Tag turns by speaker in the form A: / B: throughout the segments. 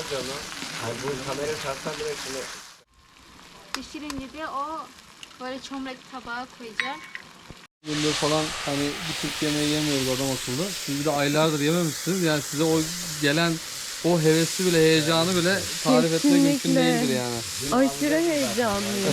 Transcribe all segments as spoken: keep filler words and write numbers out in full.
A: onu. Hani bu kamerayı taksan bile şimdi.
B: Pişirince de o böyle çömlek tabağa koyacağım.
C: Gündür falan hani bir Türk yemeği yemiyoruz adam akıllı. Siz bir de aylardır yememişsiniz. Yani size o gelen o hevesi bile, heyecanı bile tarif etmek mümkün değildir yani.
D: Aşırı heyecanlıyım.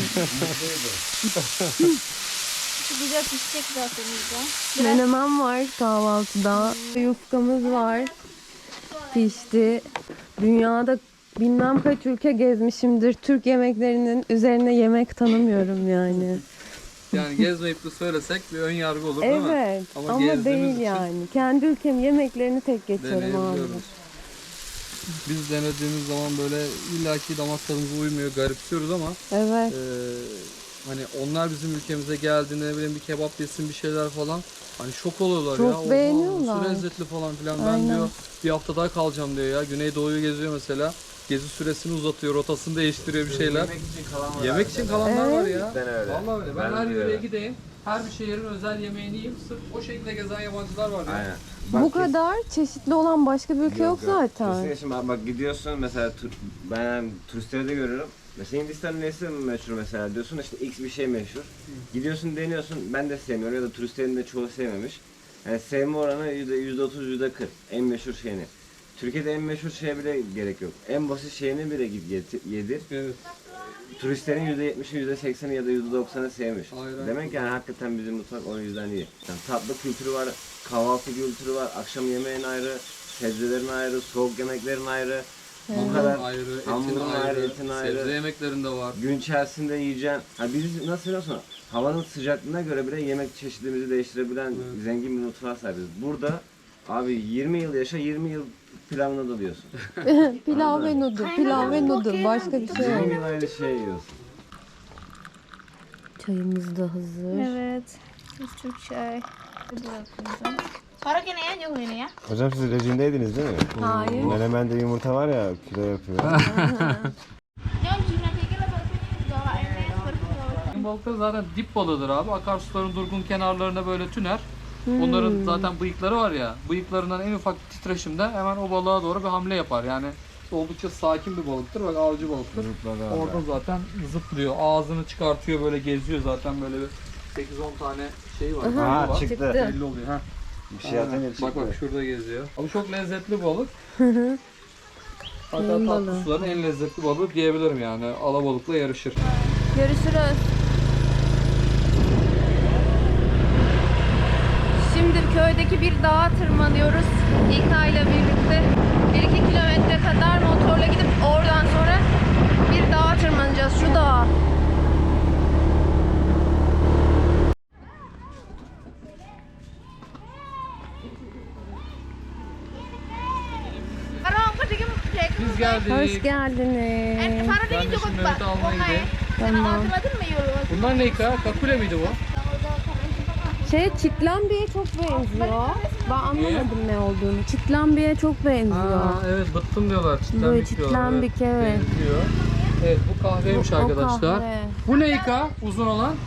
B: Güzel pişecek zaten bizde.
D: Menemen var kahvaltıda. Yufkamız var. Pişti. Dünyada bilmem kaç ülke gezmişimdir. Türk yemeklerinin üzerine yemek tanımıyorum yani.
C: Yani gezmeyip de söylesek bir ön yargı olur değil mi?
D: Evet ama,
C: gezdiğimiz
D: değil
C: için
D: yani. Kendi ülkem yemeklerini tek geçerim abi.
C: deneyebiliyoruz. Biz denediğimiz zaman böyle illaki damak tadımıza uymuyor, garipsiyoruz ama
D: Evet.
C: e, hani onlar bizim ülkemize geldiğinde ne bileyim bir kebap yesin bir şeyler falan hani şok oluyorlar
D: Çok
C: ya. Oha,
D: beğeniyorlar.
C: nasıl lezzetli falan filan. Ben
D: Aynen.
C: diyor bir hafta daha kalacağım diyor ya. Güneydoğu'yu geziyor mesela. Gezi süresini uzatıyor, rotasını değiştiriyor bir şeyler.
A: Yemek için kalan var.
C: Yemek için kalanlar var ya.
A: Cidden öyle.
C: Vallahi öyle. Ben,
A: Ben
C: her
A: de
C: yöreye
A: öyle.
C: gideyim. Her bir şehrin özel yemeğini yiyeyim. Sırf o şekilde gezen yabancılar var ya.
A: Aynen.
D: Bu kadar çeşitli olan başka bir ülke yok, zaten.
A: Kesinlikle şimdi bak, bak gidiyorsun mesela tur, ben turistleri de görüyorum. Mesela Hindistan'ın nesi meşhur mesela diyorsun işte X bir şey meşhur. Gidiyorsun deniyorsun ben de sevmiyorum ya da turistlerin de çoğu sevmemiş. Yani sevme oranı yüzde otuz yüzde kırk en meşhur şeyini. Türkiye'de en meşhur şeye bile gerek yok. En basit şeyini bile git getir, yedir.
C: Evet.
A: Turistlerin yüzde yetmişi, yüzde sekseni ya da yüzde doksanı sevmiş.
C: Aynen.
A: Demek ki yani hakikaten bizim mutfak o yüzden iyi. Yani tatlı kültürü var, kahvaltı kültürü var, akşam yemeğin ayrı, sebzelerin ayrı, soğuk yemeklerin ayrı. Bu
C: Hamurun
A: kadar
C: ayrı, etin
A: hamurun
C: ayrı,
A: ayrı, etin ayrı.
C: sebze yemeklerinde var.
A: Gün içerisinde yiyeceğin, ha biz nasıl biliyorsun? Havanın sıcaklığına göre bile yemek çeşitliliğimizi değiştirebilen
C: Evet.
A: zengin bir mutfağa sahibiz. Burada abi yirmi yıl yaşa, yirmi yıl pilavını dalıyorsun.
D: Pilav ve noodle, pilav ve noodle. Başka bir şey yok.
A: yirmi yıl aynı şey yiyorsun.
D: Çayımız da hazır.
B: Evet. Siz Türk çay. Para gene ya yok yine ya.
A: Hocam siz rejimdeydiniz değil mi?
D: Hayır.
A: Menemende yumurta var ya kilo yapıyor.
C: Balıkları zaten dip balığıdır abi. Akarsuların durgun kenarlarına böyle tüner. Onların zaten bıyıkları var ya. Bıyıklarından en ufak titreşimde hemen o balığa doğru bir hamle yapar. Yani oldukça sakin bir balıktır. Bak avcı balıktır. Orada zaten zıplıyor. Ağzını çıkartıyor böyle geziyor zaten böyle bir sekiz on tane şey var.
D: Aha,
C: bıyığı var.
A: çıktı.
C: Belli oluyor. Ha.
A: Bir şey atınca çıktı.
C: Bak bak şurada geziyor. Abi çok lezzetli balık. Hatta
D: Neyin
C: tatlı
D: balığı?
C: suların en lezzetli balığı diyebilirim yani. Alabalıkla yarışır.
D: Görüşürüz. Şimdi köydeki bir dağa tırmanıyoruz. İlkay ile birlikte. bir iki kilometre kadar motorla gidip oradan sonra bir dağa tırmanacağız. Şu dağa.
C: Biz geldik.
D: Hoş geldiniz.
C: Ben de şimdi Mehmet'i almaya gideyim.
D: Tamam.
C: Bunlar ne ka? Kakule miydi bu?
D: Şey çitlambiye çok benziyor. Ben anlamadım ne olduğunu. Çitlambiye çok benziyor.
C: Aa, evet bıttım diyorlar. Çitlenbik
D: Böyle
C: diyorlar.
D: çitlenbik, evet.
C: Benziyor. Evet bu kahveymiş
D: Bu- o
C: arkadaşlar.
D: kahve.
C: Bu ne ka? Uzun olan?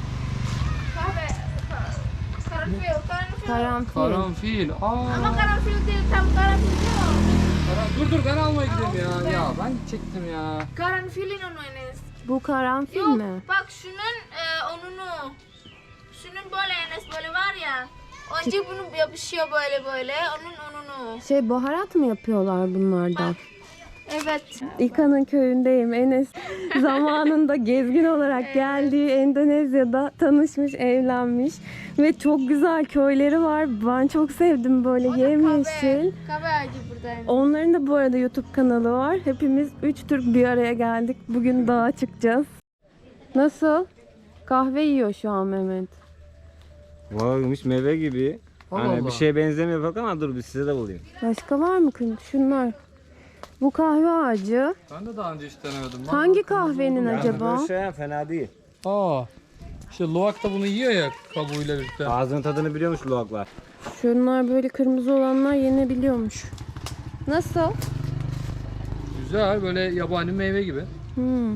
D: Karanfil.
C: Karanfil. Aa.
B: Ama karanfil değil, tam karanfil değil.
C: Karan- Dur dur ben almaya gideyim ya. Ya ben çektim ya.
B: Karanfilin onu Enes.
D: Bu karanfil
B: Yok,
D: mi?
B: bak şunun e, onunu. Şunun böyle Enes böyle var ya. Önce bunu yapışıyor böyle böyle. Onun onunu.
D: Şey baharat mı yapıyorlar bunlardan?
B: Evet.
D: İka'nın köyündeyim. Enes zamanında gezgin olarak geldiği Endonezya'da tanışmış, evlenmiş ve çok güzel köyleri var. Ben çok sevdim böyle yemyeşil.
B: Kahve ağacı burada Enes.
D: Onların da bu arada YouTube kanalı var. Hepimiz üç Türk bir araya geldik. Bugün dağa çıkacağız. Nasıl? Kahve yiyor şu an Mehmet.
A: Vaymış meyve gibi.
C: Allah
A: Hani
C: Allah.
A: bir şeye benzemiyor bak ama dur bir size de bulayım.
D: Başka var mı kız? Şunlar. Bu kahve ağacı.
C: Ben de daha önce hiç denemedim. Lan
D: Hangi
C: bak, kırmızı
D: kahvenin
C: oldu mu?
D: acaba?
A: Böyle şey fena değil.
C: Aa. İşte Luwak da bunu yiyor ya kabuğuyla birlikte.
A: Ağzının tadını biliyormuş luwaklar.
D: Şunlar böyle kırmızı olanlar yenebiliyormuş. Nasıl?
C: Güzel böyle yabani meyve gibi.
D: Hmm.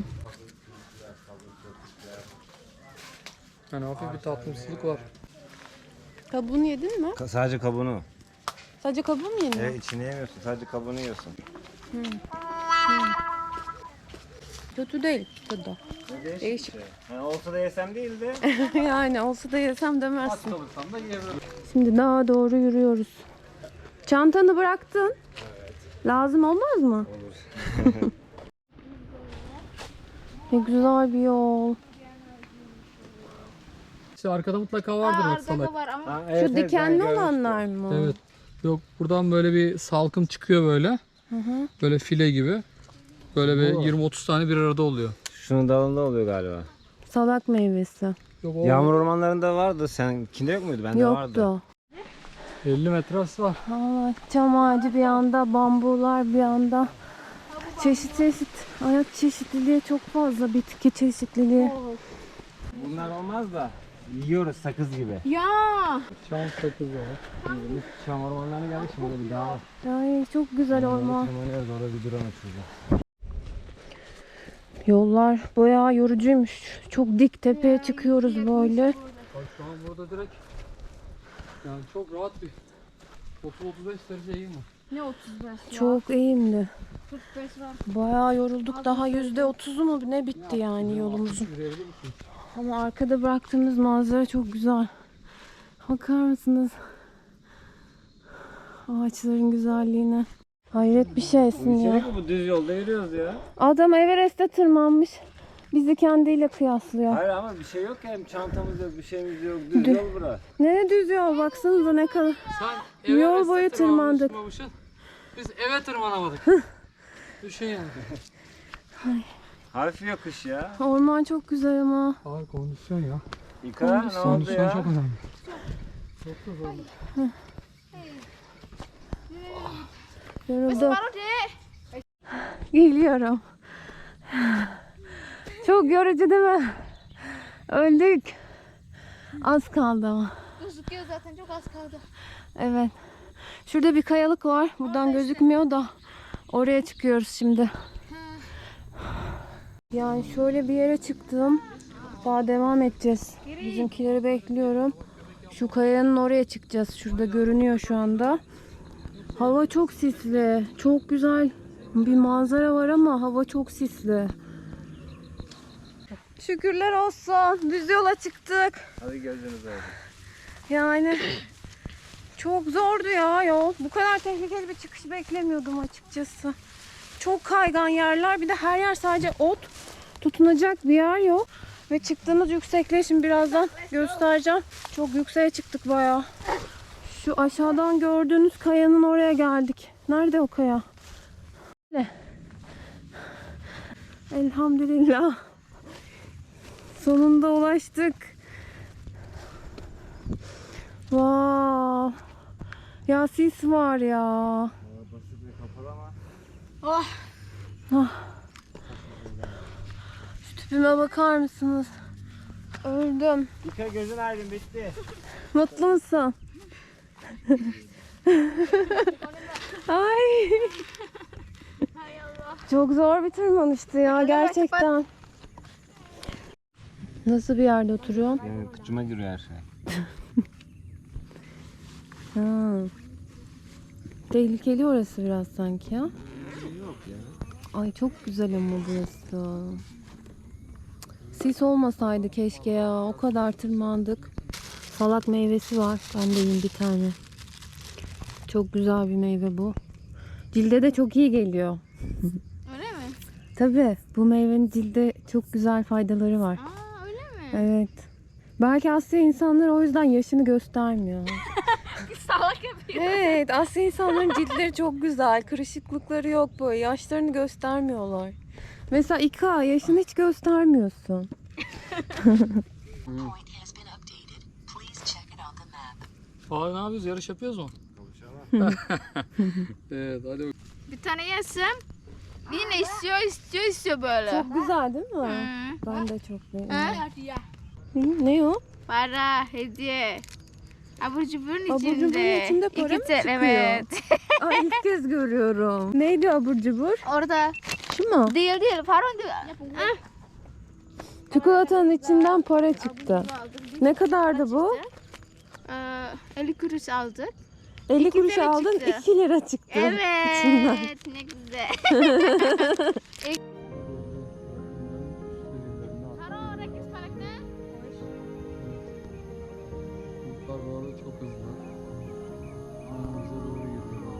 C: Yani hafif bir tatlımsızlık var.
D: Kabuğunu yedin mi?
A: Ka- sadece kabuğunu.
D: Sadece kabuğu mu yedin?
A: Evet içini yemiyorsun sadece kabuğunu yiyorsun.
D: Kötü değil tadı. Değişik.
A: Yani olsa da yesem değil de.
D: Yani olsa da yesem
C: Aç
D: demezsin.
C: kalırsam da yiyebilirim.
D: Şimdi daha doğru yürüyoruz. Çantanı bıraktın. Lazım olmaz mı?
A: Olur.
D: Ne güzel bir yol.
C: İşte arkada mutlaka vardır
B: Aa,
C: bak
B: arkada
C: salak.
B: var ama.
A: Ha,
D: Şu
A: evet, evet,
D: dikenli
A: ben
D: olanlar mı?
C: Evet. Yok buradan böyle bir salkım çıkıyor böyle.
D: Hı hı.
C: Böyle file gibi. Böyle bir
A: Bu.
C: yirmi otuz tane bir arada oluyor.
A: Şunun dalında oluyor galiba.
D: Salak meyvesi.
C: Yok o
A: Yağmur ormanlarında vardı. Seninkinde yok muydu? Bende vardı.
D: Yoktu.
C: elli metresi var.
D: Aa, çam ağacı bir yanda, bambular bir yanda. Çeşit çeşit hayat çeşitliliği çok fazla, bitki çeşitliliği.
A: Bunlar olmaz da yiyoruz sakız gibi.
B: Ya.
C: Çam sakız var.
A: Çam ormanlarına geldik şimdi burada bir dağ var.
D: Ay çok güzel orman.
A: Tırmanıyoruz orada bir drone uçurdu.
D: Yollar bayağı yorucuymuş. Çok dik tepeye çıkıyoruz böyle.
C: Bak şu an burada direkt yani çok rahat bir otuz otuz beş derece iyi mi?
B: Ne otuz beş ya?
D: Çok eğimli.
B: kırk beş var.
D: Bayağı yorulduk. Daha yüzde otuzu mu ne bitti yani yolumuzun.
C: Yürüyebilir misin?
D: Ama arkada bıraktığımız manzara çok güzel. Bakar mısınız? Ağaçların güzelliğine. Hayret bir şeysin
A: Bu
D: ya.
A: içerik mi? Bu düz yolda yürüyoruz ya.
D: Adam Everest'e tırmanmış. Bizi kendiyle kıyaslıyor.
A: Hayır ama bir şey yok ya. Çantamız yok, bir şeyimiz yok. Düz yol bura.
D: Nereye düz yol? Baksanıza ne kadar.
C: Sen
D: Yol
C: Everest'e
D: boyu
C: tırmanmış,
D: tırmandık.
C: tırmanmışsın. Biz eve tırmanamadık. Düşün yani.
A: Hafif yokuş ya.
D: Orman çok güzel ama.
C: Ağır kondisyon ya.
A: İka ne oldu
C: Kondisyon
A: ya?
C: çok önemli. Çok da zor.
D: Yoruldum.
B: Baru deh.
D: Geliyorum. Çok yorucu değil mi? Öldük. Az kaldı ama.
B: Gözüküyor zaten çok az kaldı.
D: Evet. Şurada bir kayalık var. Buradan gözükmüyor da. Oraya çıkıyoruz şimdi. Yani şöyle bir yere çıktım. Daha devam edeceğiz. Bizimkileri bekliyorum. Şu kayanın oraya çıkacağız. Şurada görünüyor şu anda. Hava çok sisli. Çok güzel bir manzara var ama hava çok sisli. Şükürler olsun. Düz yola çıktık.
A: Hadi gözünüz oldu.
D: Yani çok zordu ya yol. Bu kadar tehlikeli bir çıkış beklemiyordum açıkçası. Çok kaygan yerler. Bir de her yer sadece ot. Tutunacak bir yer yok. Ve çıktığımız yüksekliği şimdi birazdan göstereceğim. Çok yükseğe çıktık bayağı. Şu aşağıdan gördüğünüz kayanın oraya geldik. Nerede o kaya? Ne? Elhamdülillah. Sonunda ulaştık. Wow. Ya sis var ya.
A: Basit ve kapalı ama.
B: Oh.
D: Ah. Şu tüpüme bakar mısınız? Öldüm.
A: İka gözün aydın bitti.
D: Mutlu musun? Ay.
B: Hay Allah.
D: Çok zor bir tırmanıştı ya gerçekten. Nasıl bir yerde oturuyorsun?
A: Benim kıçıma giriyor her şey.
D: Ha. Tehlikeli orası biraz sanki ya.
A: Yok ya.
D: Ay çok güzel ama burası. Sis olmasaydı keşke ya. O kadar tırmandık. Salak meyvesi var. Ben de yiyeyim bir tane. Çok güzel bir meyve bu. Cilde de çok iyi geliyor.
B: Öyle mi?
D: Tabii bu meyvenin cilde çok güzel faydaları var.
B: Aa öyle mi?
D: Evet. Belki Asya insanları o yüzden yaşını göstermiyor.
B: Salak yapıyor.
D: Evet, Asya insanların ciltleri çok güzel. Kırışıklıkları yok böyle. Yaşlarını göstermiyorlar. Mesela İka yaşını hiç göstermiyorsun.
E: Point has been updated. Please check it on the map.
C: Abi ne yapıyoruz? Yarış yapıyoruz mu? Evet hadi bakalım.
B: Bir tane yesem yine istiyor istiyor istiyor böyle.
D: Çok güzel değil mi?
B: Hı.
D: Ben de çok beğendim.
B: Ha?
D: Hı, ne o?
B: Para, hediye. Abur cuburun
D: Abur
B: içinde.
D: cuburun içinde para
B: İki
D: mı
B: tane,
D: çıkıyor?
B: Evet.
D: Ay ilk kez görüyorum. Neydi abur cubur?
B: Orada
D: Şu mu?
B: değil değil. Paron değil. Ah.
D: Çikolatanın içinden para çıktı. Ne kadardı bu?
B: Ee, elli kuruş aldık.
D: elli
B: İki
D: kuruş
B: lira
D: aldın,
B: çıktı.
D: iki lira çıktı. içinden.
B: Evet, ne güzel.
C: Bulutlar bu arada çok hızlı. Önümüze doğru geliyor.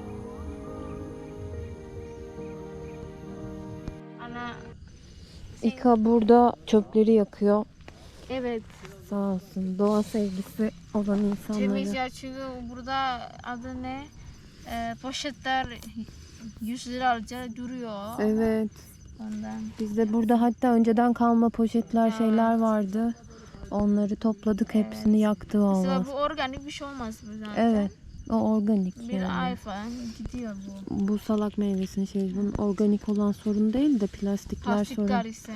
B: Ana.
D: İka burada çöpleri yakıyor.
B: Evet.
D: Sağ olsun. Doğa sevgisi olan
B: Temiz
D: insanları.
B: ya çünkü burada adı ne? Ee, poşetler yüz liraca duruyor.
D: Evet.
B: Ondan.
D: Bizde burada hatta önceden kalma poşetler şeyler vardı. Onları topladık, hepsini yaktı
B: Mesela
D: valla.
B: bu organik bir şey olmaz bu zaten.
D: Evet. O organik
B: Bir
D: yani.
B: ay falan gidiyor bu.
D: Bu salak meyvesinin şey, bunun organik olan sorun değil de plastikler
B: Plastikler
D: sorun.
B: ise.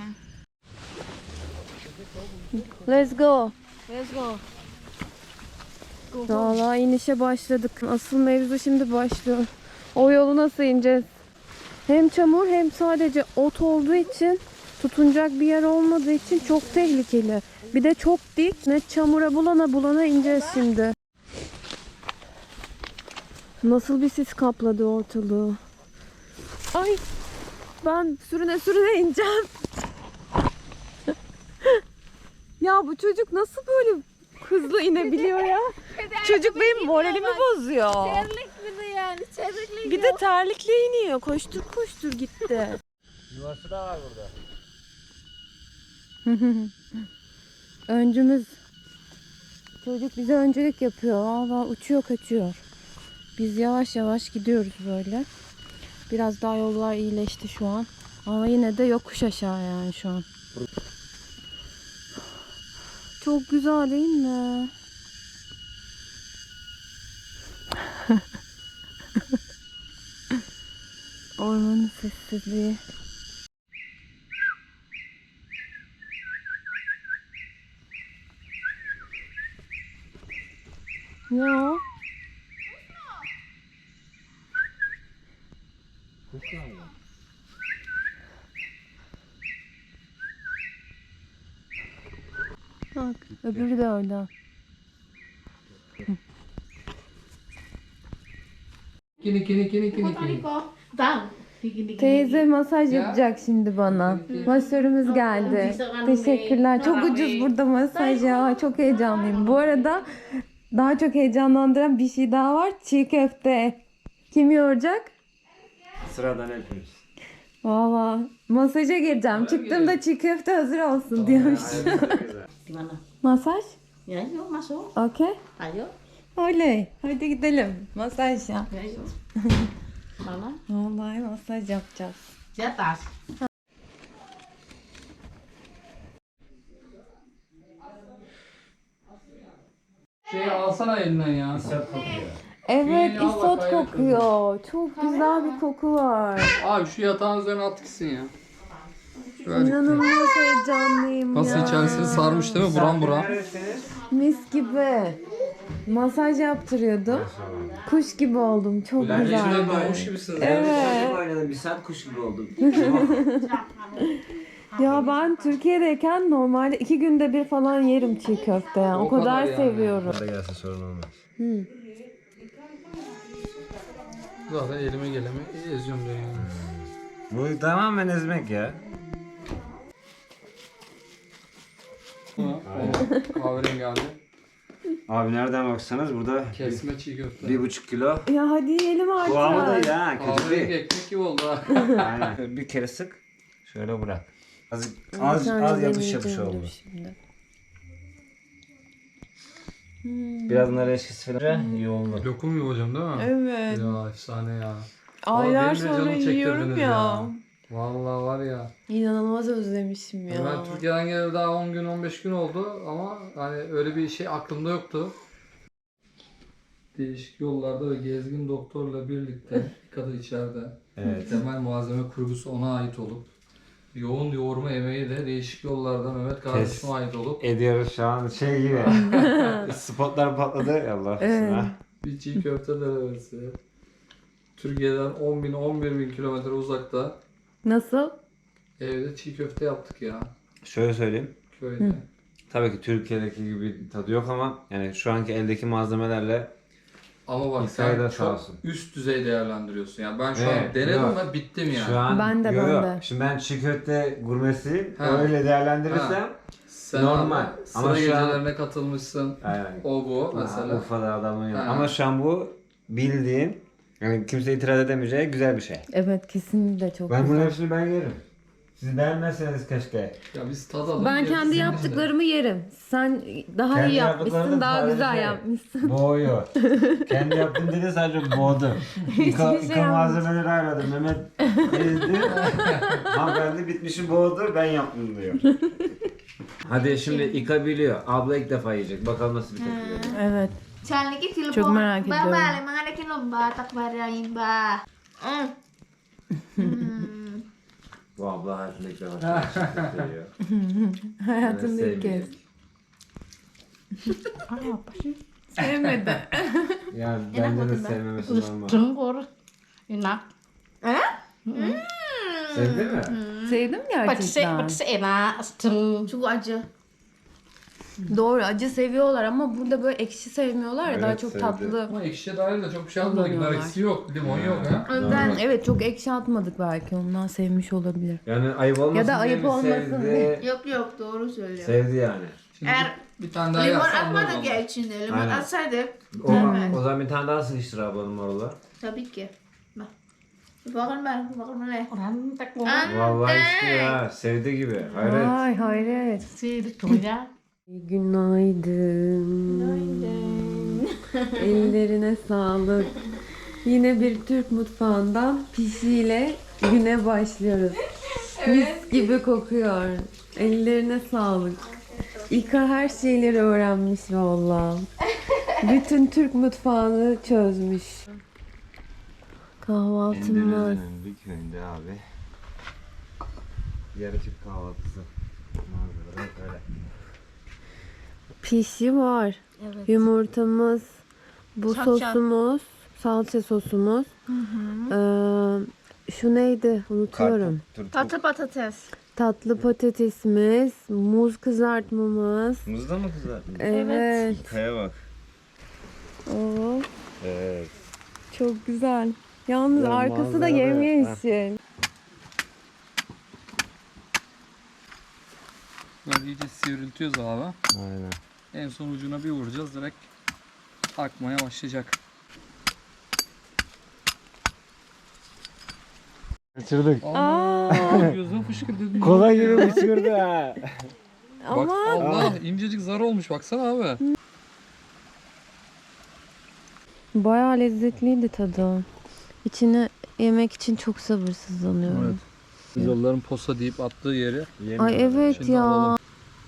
D: Let's go.
B: Let's go. Go, go.
D: Valla inişe başladık. Asıl mevzu şimdi başlıyor. O yolu nasıl ineceğiz? Hem çamur hem sadece ot olduğu için, tutunacak bir yer olmadığı için çok tehlikeli. Bir de çok dik. Ne çamura bulana bulana ineceğiz şimdi. Nasıl bir sis kapladı ortalığı. Ay, ben sürüne sürüne ineceğim. Ya bu çocuk nasıl böyle hızlı inebiliyor ya? Çocuk benim moralimi bozuyor.
B: Terlik bir de yani. Terlikle
D: Bir de terlikle iniyor. Koştur koştur gitti.
A: Yuvası da var burada.
D: Öncümüz. Çocuk bize öncülük yapıyor. Valla uçuyor kaçıyor. Biz yavaş yavaş gidiyoruz böyle. Biraz daha yollar iyileşti şu an. Ama yine de yokuş aşağı yani şu an. Çok güzel değil mi? Ormanın sessizliği. Ya. Bak, öbürü de orada.
C: Kini kini kini kini kini.
D: Teyze masaj
C: Ya.
D: yapacak şimdi bana. Masörümüz geldi. Teşekkürler. Çok ucuz burada masaj ya. Çok heyecanlıyım. Bu arada daha çok heyecanlandıran bir şey daha var. Çiğ köfte. Kim yoracak?
A: Sıradan hepimiz.
D: Valla masaja gireceğim. Çıktığımda çiğ köfte hazır olsun diyormuş.
F: Gimana?
D: Masaj?
F: Ya yuk masuk.
D: Okey.
F: Ayo.
D: Oley. Hadi gidelim. Masaj ya.
F: Ya yuk. Mana?
D: Vallahi masaj yapacağız.
F: Di atas.
C: Şey alsana elinden ya.
D: Evet,
C: İyi, al
D: isot
C: bakayım.
D: kokuyor. Çok güzel bir koku var.
C: Abi şu yatağın üzerine at gitsin ya. Şöyle.
D: İnanılmaz heyecanlıyım
C: Nasıl
D: ya.
C: içerisini sarmış değil mi? Buram buram.
D: Mis gibi. Masaj yaptırıyordum. Kuş gibi oldum. Çok
C: İçine
D: güzel.
C: doğmuş gibisiniz.
D: Evet.
A: Oynadım bir saat kuş gibi oldum.
D: Ya ben Türkiye'deyken normalde iki günde bir falan yerim çiğ köfte. Yani. O,
C: O
D: kadar,
C: kadar yani.
D: seviyorum.
A: Para gelse sorun olmaz.
C: Zaten elime geleme eziyorum diyor yani.
A: Bu tamamen ezmek ya.
C: Evet, kahverengi abi.
A: Abi nereden baksanız burada
C: Kesme çiğ köfte.
A: bir buçuk kilo.
D: Ya hadi yiyelim
A: Kıvamı da
D: artık.
A: ya kötü
C: Kahverengi
A: değil.
C: ekmek gibi oldu ha.
A: Aynen. Bir kere sık. Şöyle bırak. Az
D: Bir
A: az,
D: tane
A: az yapış
D: deneyeceğim
A: yapış
D: dur
A: oldu.
D: şimdi.
A: Biraz nar eşkisi falan iyi oldu.
C: Lokum gibi hocam değil mi?
D: Evet.
C: Ya efsane ya.
D: Aylar
C: Vallahi benim de
D: sonra
C: canımı
D: yiyorum
C: çektirdiniz
D: ya.
C: Vallahi var ya.
D: İnanılmaz özlemişim ya.
C: Ben Türkiye'den geleli daha on gün on beş gün oldu ama hani öyle bir şey aklımda yoktu. Değişik yollarda ve gezgin doktorla birlikte kadı içeride.
A: Evet.
C: Temel malzeme kurgusu ona ait olup yoğun yoğurma emeği de değişik yollarda Mehmet kardeşime ait olup
A: Ediyoruz şu an şey gibi. Spotlar patladı. Allah
D: Evet.
A: aşkına.
C: bir çiğ köfte denemesi. Türkiye'den on bin on bir bin kilometre uzakta
D: Nasıl?
C: evde çiğ köfte yaptık ya
A: Şöyle söyleyeyim.
C: Ama bak
A: İsa'yı da
C: sen
A: sağ
C: çok
A: olsun.
C: üst düzey değerlendiriyorsun. Yani ben şu
A: Evet,
C: an denedim
A: yok.
C: ve bittim yani.
A: Şu an
D: Ben de,
A: yo,
D: ben
A: yo.
D: de.
A: Şimdi ben çiğ köfte gurmesiyim.
C: Ha.
A: Öyle değerlendirirsem
C: Ha. Sen
A: normal.
C: abi
A: Ama
C: sıra
A: şu an-
C: gecelerine katılmışsın.
A: aynen.
C: O bu mesela.
A: Ha, Urfa'da adamın yok.
C: Ha.
A: Ama şu an bu bildiğin, yani kimse itiraz edemeyeceği güzel bir şey.
D: Evet, kesinlikle çok
A: Ben bunun
D: güzel.
A: hepsini ben yerim. Siz beğenmezseniz keşke.
C: Ya biz tadalım.
D: Ben
C: gerisi
D: kendi
C: bizde.
D: yaptıklarımı yerim. Sen daha
A: Kendi
D: iyi
A: yaptıklarını
D: yapmışsın, daha
A: sadece
D: güzel yapmışsın.
A: Boğuyor. Kendi yaptığım dedi sadece boğdu. İka,
D: Hiçbir şey
A: İka
D: yapmamış.
A: malzemeleri ayarladım. Mehmet ezdi. Hanımefendi bitmişi boğdu. Ben yaptım diyor. Hadi şimdi İka biliyor. Abla ilk defa yiyecek. Bakalım nasıl bir tepki verecek.
D: Evet.
B: Challenge ki telepon.
D: Çok merak
B: Ba
D: ediyorum.
B: bale mangane ki lomba tak barayin ba. Mm. Hmm.
A: Bu abla hayatında ilk defa çiğ köfte yiyor.
D: Hayatımda
A: Ben
D: ilk kez.
A: sevmiyorum.
D: Sevmedi.
A: Ya bence de sevmemesi normal.
F: Trứng enak.
A: Sevdi mi?
D: Sevdim
F: Pedes
D: gerçekten.
F: pedes enak. Trứng.
B: Cukup aja.
D: Doğru, acı seviyorlar ama burada böyle ekşi sevmiyorlar ya, daha
A: Evet,
D: çok
A: sevdi.
D: tatlı.
C: Ama ekşiye dair de çok bir şey atmadık.
D: Kullanıyorlar.
C: Eksi yok, limon yok ha.
D: Ben evet çok ekşi atmadık, belki ondan sevmiş olabilir.
A: Yani ayıp olmasın
D: Ya da
A: diye
D: ayıp
A: mi
D: olmasın
A: sevdi?
B: Yok yok doğru söylüyor.
A: Sevdi yani.
C: Şimdi
B: Eğer
C: bir, bir tane daha
B: limon
C: yersen anlarız
B: atmadık
C: onu.
B: ya içinde. Limon
A: Aynen.
B: atsaydık
A: O,
B: Evet.
A: o zaman bir tane daha sıkıştır ablanın marula.
B: tabii ki. Bak. Bakın ben, bakın ne?
F: Orang tak ngomong.
B: Antek.
A: Vallahi işte ya. Sevdi gibi. Hayret.
D: Ay hayret.
F: Si trứng ya.
D: Günaydın. Ellerine sağlık. Yine bir Türk mutfağından pişiyle güne başlıyoruz. Mis gibi kokuyor. Ellerine sağlık. İlka her şeyleri öğrenmiş valla. Bütün Türk mutfağını çözmüş. Kahvaltımız.
A: Endonezya'nın bir köyünde abi. Yarı Türk kahvaltısı. Manzaralar öyle.
D: Pişi var.
B: Evet.
D: Yumurtamız, bu
B: Salça.
D: sosumuz, salça sosumuz. Ee, şu neydi? Unutuyorum.
B: Tatlı patates.
D: Tatlı patatesimiz, muz kızartmamız.
A: Muzda mı kızartmış?
D: Evet.
A: Kaya bak.
D: Oo,
A: Evet.
D: çok güzel. Yalnız
A: Ya
D: arkası da
A: manzara,
D: yemyeşil.
C: Böyle iyice sivriltiyoruz abi.
A: Aynen.
C: En son ucuna bir vuracağız, direkt akmaya başlayacak.
A: Kaçırdık.
C: Aa, gözüm fışkırdı.
A: Kola gibi uçurdu ha.
C: Bak
D: Ama
C: Allah, incecik zar olmuş baksana abi.
D: bayağı lezzetliydi tadı. İçine yemek için çok sabırsızlanıyorum.
C: Yolların posa deyip attığı yeri.
D: Ay evet
C: Şimdi
D: ya.
C: alalım.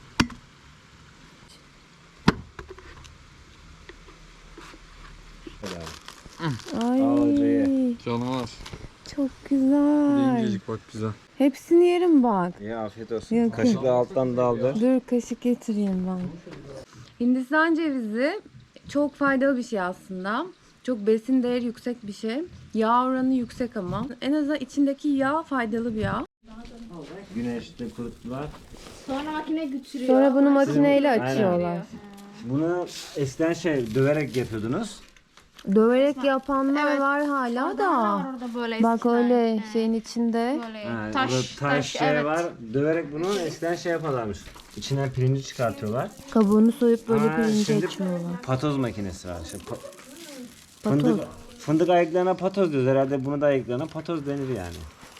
D: Ay
C: Canavar.
D: çok
C: Bir de
D: güzel.
C: incecik bak güzel.
D: Hepsini yerim bak.
A: Ya afiyet olsun.
D: Yok,
A: Kaşıkla alttan daldır.
D: Dur kaşık getireyim ben. Hindistan cevizi çok faydalı bir şey aslında. Çok besin değeri yüksek bir şey. Yağ oranı yüksek ama. En azından içindeki yağ faydalı bir yağ.
A: Güneşte kuruttular.
B: Sonra makine götürüyor.
D: Sonra bunu makineyle
A: Aynen.
D: açıyorlar.
A: Bunu eskiden şey döverek yapıyordunuz.
D: Döverek yapanlar
B: Evet.
D: var hala
B: Orada
D: da.
B: var orada böyle
D: Bak
B: eskiden.
D: öyle
B: He.
D: şeyin içinde.
B: Böyle
A: Ha,
B: taş,
A: burada
B: taş,
A: taş, şey
B: evet.
A: var. Döverek bunu eskiden şey yaparlarmış. İçinden pirinci çıkartıyorlar.
D: Kabuğunu soyup böyle
A: Aa,
D: pirinci
A: şimdi
D: açıyorlar.
A: Patoz makinesi var. İşte pa-
D: Patoz.
A: Fındık, fındık ayıklarına patoz diyoruz. Herhalde bunu da ayıklarına patoz denir yani.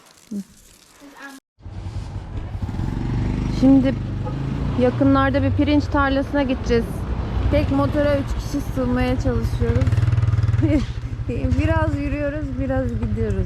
D: Şimdi yakınlarda bir pirinç tarlasına gideceğiz. Tek motora üç kişi sığmaya çalışıyoruz. Biraz yürüyoruz, biraz gidiyoruz.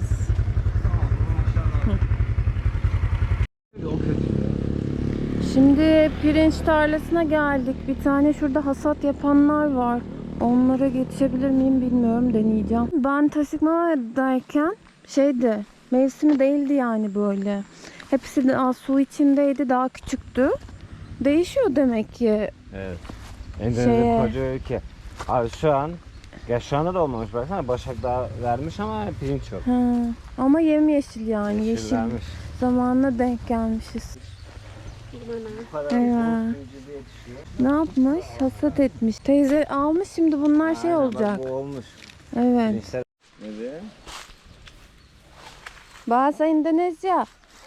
D: Şimdi pirinç tarlasına geldik. Bir tane şurada hasat yapanlar var. Onlara geçebilir miyim bilmiyorum, deneyeceğim. Ben Tasikmala'dayken şeydi, mevsimi değildi yani böyle. Hepsi de az su içindeydi, daha küçüktü. Değişiyor demek ki.
A: Evet. Endonezya
D: Şeye-
A: koca ülke. Abi şu an, ya şu anda da olmamış baksana. Başak daha vermiş ama pirinç yok.
D: Ha, ama yemyeşil yani,
A: Yeşil
D: yeşil.
A: vermiş.
D: Zamanına denk gelmişiz.
A: Bu kadar
D: Evet.
A: pirinci de yetişiyor.
D: Ne yapmış? Hasat etmiş. Teyze almış, şimdi bunlar şey
A: Aynen, bak
D: olacak.
A: bu olmuş.
D: Evet.
A: Gençler. Evet.
D: Bahasa Indonesia.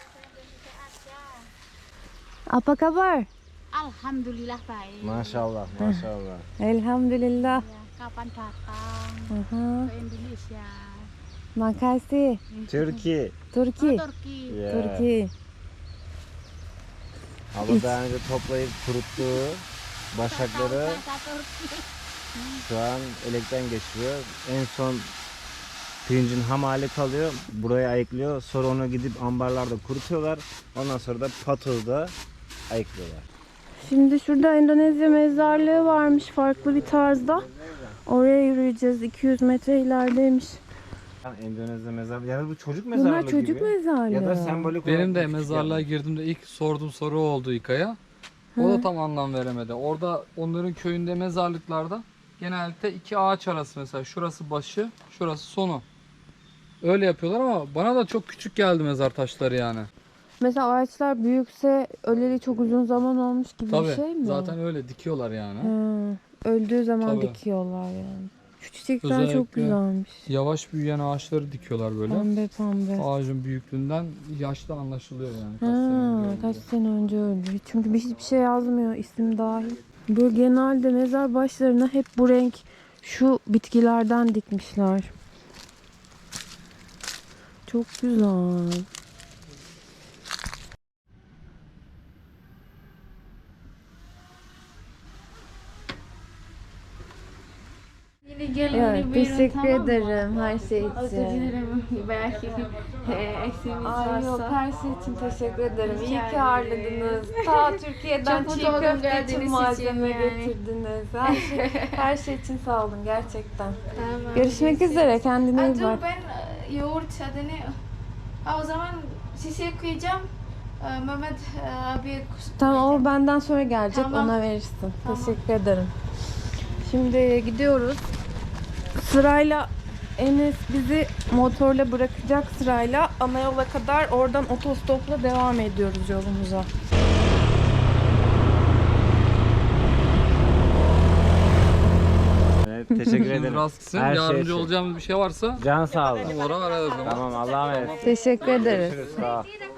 D: Apa kabar?
G: Alhamdulillah baik.
A: Maşallah, maşallah.
D: Elhamdülillah.
G: Kapan datang
D: Aha.
G: ke Indonesia?
D: Makasih.
A: Türkiye.
D: Turki.
G: Oh, Turki.
A: Yeah.
D: Turki.
A: Ama daha önce toplayıp kuruttuğu başakları
G: Kata Turki.
A: şu an elekten geçiriyor. En son pirincin ham hali kalıyor. Buraya ayıklıyor. Sonra onu gidip ambarlarda kurutuyorlar. Ondan sonra da patozda ayıklıyorlar.
D: Şimdi şurada Endonezya mezarlığı varmış farklı bir tarzda. Oraya yürüyeceğiz. iki yüz metre ilerideymiş.
A: Yani Endonezya mezarlığı. Yani bu çocuk mezarlığı
D: Bunlar çocuk
A: gibi.
D: mezarlığı.
A: Ya da sembolik
C: Benim
A: olarak
C: de
A: küçük
C: mezarlığa
A: yani.
C: girdiğimde ilk sorduğum soru oldu İKA'ya. O da tam anlam veremedi. Orada onların köyünde mezarlıklarda genellikle iki ağaç arası, mesela şurası başı, şurası sonu. Öyle yapıyorlar ama bana da çok küçük geldi mezar taşları yani.
D: Mesela ağaçlar büyükse öleli çok uzun zaman olmuş gibi
C: Tabii
D: bir şey mi?
C: zaten öyle dikiyorlar yani.
D: Hı, öldüğü zaman
C: Tabii.
D: dikiyorlar yani. Şu çiçekler
C: Özellikle
D: çok güzelmiş.
C: Yavaş büyüyen ağaçları dikiyorlar böyle.
D: Pembe pembe.
C: Ağacın büyüklüğünden yaşta anlaşılıyor yani. Kaç
D: Ha,
C: sene önce
D: kaç
C: olduğu.
D: sene önce öldü. Çünkü bir- hiçbir şey yazmıyor isim dahil. Böyle genelde mezar başlarına hep bu renk şu bitkilerden dikmişler. Çok güzel.
B: Yine gelin
D: Evet,
B: buyurun,
D: teşekkür
B: tamam mı?
D: ederim her şey
B: Özür
D: için.
B: dilerim. Belki e, eksiğimiz
D: Ay yok,
B: varsa.
D: her şey için teşekkür ederim.
B: Rica
D: İyi ki
B: ederim.
D: ağırladınız. Ta Türkiye'den
B: Çok
D: çiğ
B: mutlu oldum
D: köfte
B: geldiğiniz
D: için
B: için
D: malzeme
B: yani.
D: getirdiniz. Her şey, her şey için sağ olun gerçekten.
B: Tamam,
D: Görüşmek
B: görüşürüz.
D: üzere. Kendine
B: Aa,
D: iyi
B: dur
D: bak.
B: ben e, yoğurt adını... Aa, o zaman şişe koyacağım. Ee, Mehmet e, abiye kus-
D: Tamam o
B: koyacağım.
D: benden sonra gelecek.
B: Tamam.
D: Ona verirsin.
B: Tamam.
D: Teşekkür ederim. Şimdi gidiyoruz. Sırayla Enes bizi motorla bırakacak sırayla ana yola kadar, oradan otostopla devam ediyoruz yolumuza.
A: Evet, teşekkür
C: Şimdi
A: ederim.
C: rast gitsin.
A: Her şey
C: Yardımcı
A: için.
C: olacağımız bir şey varsa
A: Can sağ olun.
C: oraya ararız.
A: Tamam, Allah'a emanet.
D: Teşekkür ederiz.
A: Görüşürüz. Sağ ol.